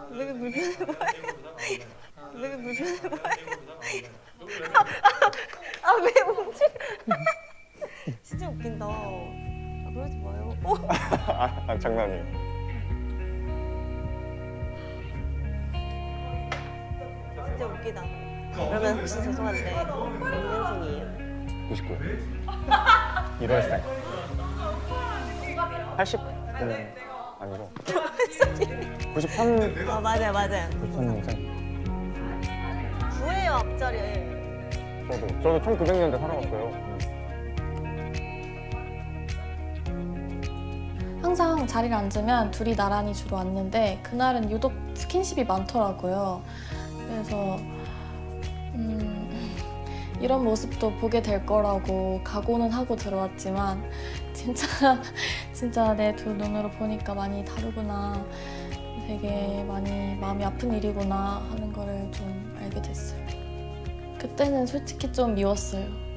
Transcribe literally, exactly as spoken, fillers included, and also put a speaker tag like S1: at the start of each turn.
S1: 왜 이렇게 불편해 보여? 왜 이렇게 불편해 보여? 아 왜 움찔? 진짜 웃긴다. 아, 그러지 마요. 어?
S2: 아, 아 장난이에요.
S1: 진짜 웃기다. 그러면 혹시 죄송한데 몇 년생이에요?
S2: 구십구. 일월생. 팔십구는 아니고. 구십삼.
S1: 아 맞아요 맞아요.
S2: 구십삼 년생.
S1: 구예요 앞자리.
S2: 저도 저도 천구백 년대 살아왔어요.
S3: 항상 자리를 앉으면 둘이 나란히 주로 앉는데 그날은 유독 스킨십이 많더라고요. 그래서 음, 이런 모습도 보게 될 거라고 각오는 하고 들어왔지만 진짜 진짜 내 두 눈으로 보니까 많이 다르구나. 되게 많이 마음이 아픈 일이구나 하는 거를 좀 알게 됐어요. 그때는 솔직히 좀 미웠어요.